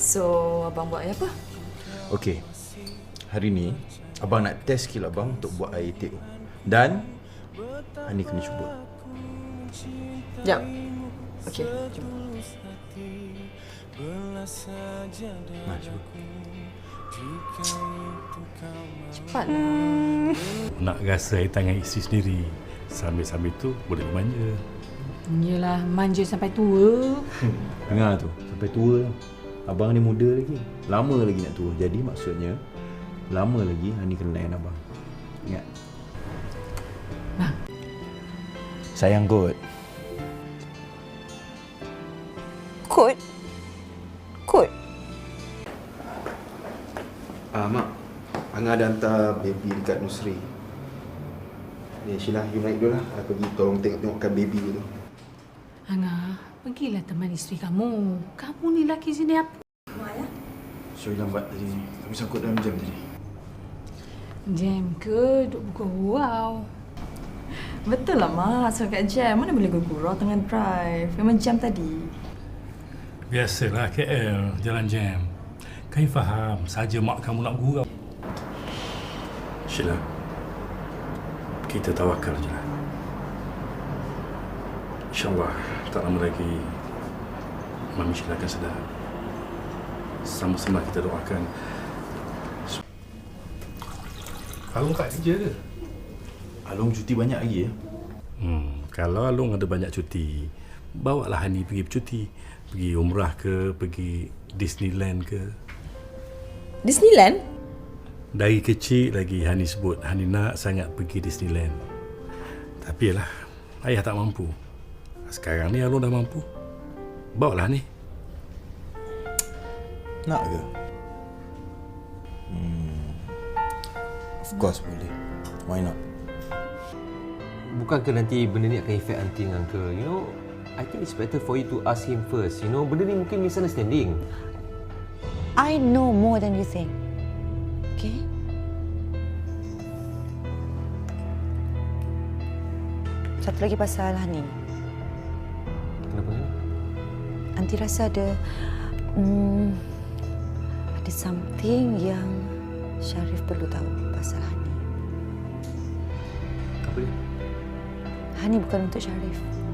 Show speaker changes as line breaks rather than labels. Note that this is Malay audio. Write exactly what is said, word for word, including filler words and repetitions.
So, abang buat air apa?
Okey. Hari ni abang nak test skill abang untuk buat air teh. Dan Hani kena cuba.
Jap. Okey, jom.
Ha, cuba.
Cepat.
Nak rasa air tangan isteri sendiri. Sambil-sambil tu boleh manja.
Yelah, manja sampai tua.
Dengar tu, sampai tua tau. Abang ni muda lagi. Lama lagi nak tua. Jadi maksudnya lama lagi Hani kena layan abang. Ingat.
Bang.
Sayang kot.
Kod? Kod?
Ah, Mak. Angah dah hantar baby dekat nursery. Ni, Sheila, you naik dulu lah. Aku pergi tolong tengok-tengokkan baby tu.
Angah, pergilah teman isteri kamu. Kamu ni laki sini apa?
Sorry lambat tadi. Kami sangkut dalam jam tadi.
Jam ke? Duk buka wow.
Betul lah, Mak. So kat jam, mana boleh gurau tengah drive. Memang jam tadi.
Biasalah K L, jalan jam. Kau faham, saja mak kamu nak gurau. Sheila, kita tawakal je lah. InsyaAllah, tak lama lagi Mami Sheila akan sedar. Sama-sama kita doakan. Alung tak kerja ke?
Alung cuti banyak lagi ya?
Hmm, kalau Alung ada banyak cuti, bawalah Hani pergi bercuti. Pergi umrah ke, pergi Disneyland ke.
Disneyland?
Dari kecil lagi Hani sebut Hani nak sangat pergi Disneyland. Tapi yalah, ayah tak mampu. Sekarang ni Alung dah mampu. Bawalah ni.
Nak ke? Hmm. Of course boleh. Why not?
Bukankah nanti benda ni akan efek aunty dengan uncle? You know, I think it's better for you to ask him first. You know, benda ni mungkin misunderstanding.
I know more than you think. Okay? Satu lagi pasal Hani.
Kenapa ni?
Aunty rasa ada... Hmm, ada something yang Sharif perlu tahu pasal Hani.
Apa dia?
Hani bukan untuk Sharif.